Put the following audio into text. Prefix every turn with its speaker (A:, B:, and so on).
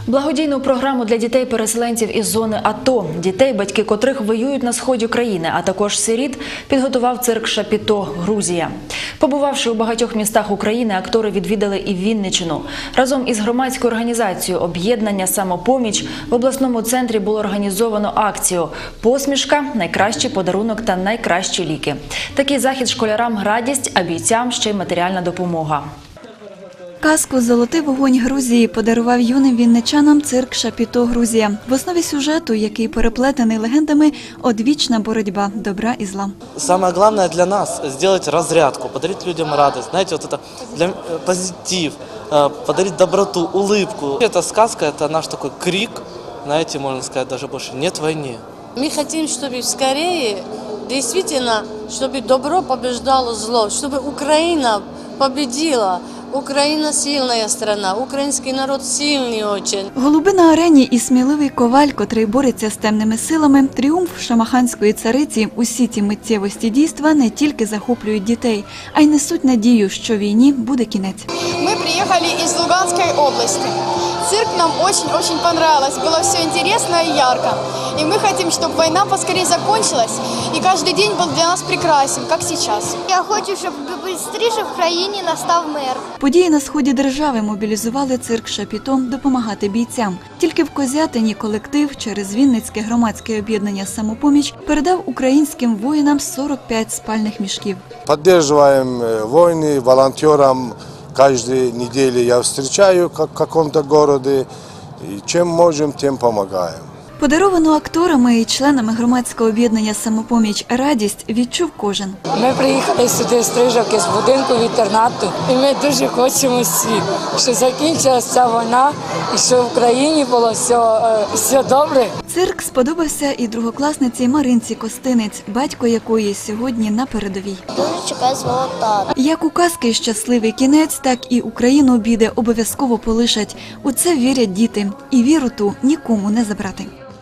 A: Благодійну програму для дітей-переселенців із зони АТО, дітей, батьки котрих воюють на сході країни, а також сиріт, підготував цирк «Шапіто», Грузія. Побувавши у багатьох містах України, актори відвідали і Вінниччину. Разом із громадською організацією «Об'єднання «Самопоміч» в обласному центрі було організовано акцію «Посмішка. Найкращий подарунок та найкращі ліки». Такий захід школярам – радість, а бійцям – ще й матеріальна допомога.
B: Казку «Золотий вогонь Грузії» подарував юним вінничанам цирк «Шапіто», Грузія. В основі сюжету, який переплетений легендами, одвічна боротьба добра і зла.
C: Самое главное для нас – сделать разрядку, подарить людям радость, знаете, вот это позитив, подарить доброту, улыбку. Эта сказка – это наш такой крик, знаете, можно сказать, даже больше «нет войне».
D: Мы хотим, чтобы скорее, действительно, чтобы добро побеждало зло, чтобы Украина победила. Україна сильна страна, український народ сильний дуже.
B: Голуби на арені і сміливий коваль, котрий бореться з темними силами, тріумф шамаханської цариці – усі ці миттєвості дійства не тільки захоплюють дітей, а й несуть надію, що війні буде кінець.
E: Ми приїхали із Луганської області. Цирк нам очень понравилось, было все интересно и ярко. И мы хотим, чтобы война поскорее закончилась, и каждый день был для нас прекрасен, как сейчас.
F: Я хочу, щоб швидше в країні настав мир.
B: Події на сході держави мобілізували цирк «Шапіто» допомагати бійцям. Тільки в Козятині колектив через Вінницьке громадське об'єднання «Самопоміч» передав українським воїнам 45 спальних мішків.
G: Поддерживаем войны, волонтерам. Каждую неделю я встречаю в каком-то городе, и чем можем, тем помогаем.
B: Подаровану акторами і членами громадського об'єднання «Самопоміч» радість відчув кожен.
H: Ми приїхали сюди з Стрижівки, з будинку інтернату, і ми дуже хочемо всі, що закінчилася ця війна і що в країні було все добре.
B: Цирк сподобався і другокласниці Маринці Костинець, батько якої сьогодні на передовій.
F: Дуже чекаю свого тата.
B: Як у казки щасливий кінець, так і Україну біди обов'язково полишать. У це вірять діти. І віру ту нікому не забрати.